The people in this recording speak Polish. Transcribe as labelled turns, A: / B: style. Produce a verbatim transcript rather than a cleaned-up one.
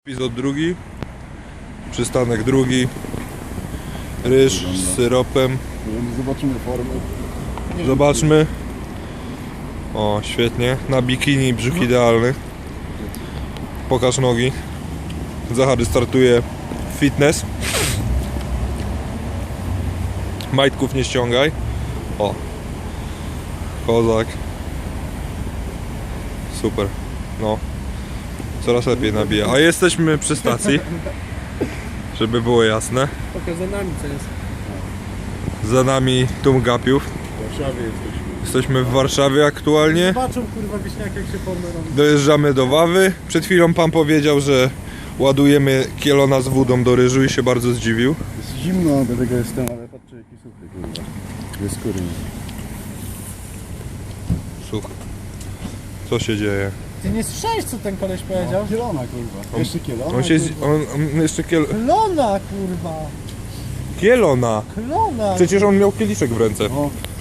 A: Epizod drugi, przystanek drugi, ryż z syropem.
B: Zobaczymy formę.
A: Zobaczmy. O, świetnie. Na bikini brzuch idealny. Pokaż nogi. Zachary startuje fitness. Majtków nie ściągaj. O. Kozak. Super. No. Coraz lepiej nabija. A jesteśmy przy stacji. Żeby było jasne.
C: Pokaż za nami co jest.
A: Za nami Tumgapiów.
B: W Warszawie jesteśmy.
A: Jesteśmy w Warszawie aktualnie.
C: Zobaczą kurwa wieśniak jak się formę robi.
A: Dojeżdżamy do Wawy. Przed chwilą pan powiedział, że ładujemy kielona z wodą do ryżu i się bardzo zdziwił.
B: Jest zimno, dlatego jestem, ale patrzcie jaki suchy, kurwa. Jest skóry.
A: Słuchaj. Co się dzieje?
C: Ty nie słyszałeś co ten koleś powiedział?
B: No, kielona, kurwa. Jeszcze kielona,
A: On się... z-
B: kurwa.
A: On, on jeszcze kiel...
C: Klona kurwa!
A: Kielona!
C: Klona!
A: Przecież on miał kieliszek w ręce.
B: No,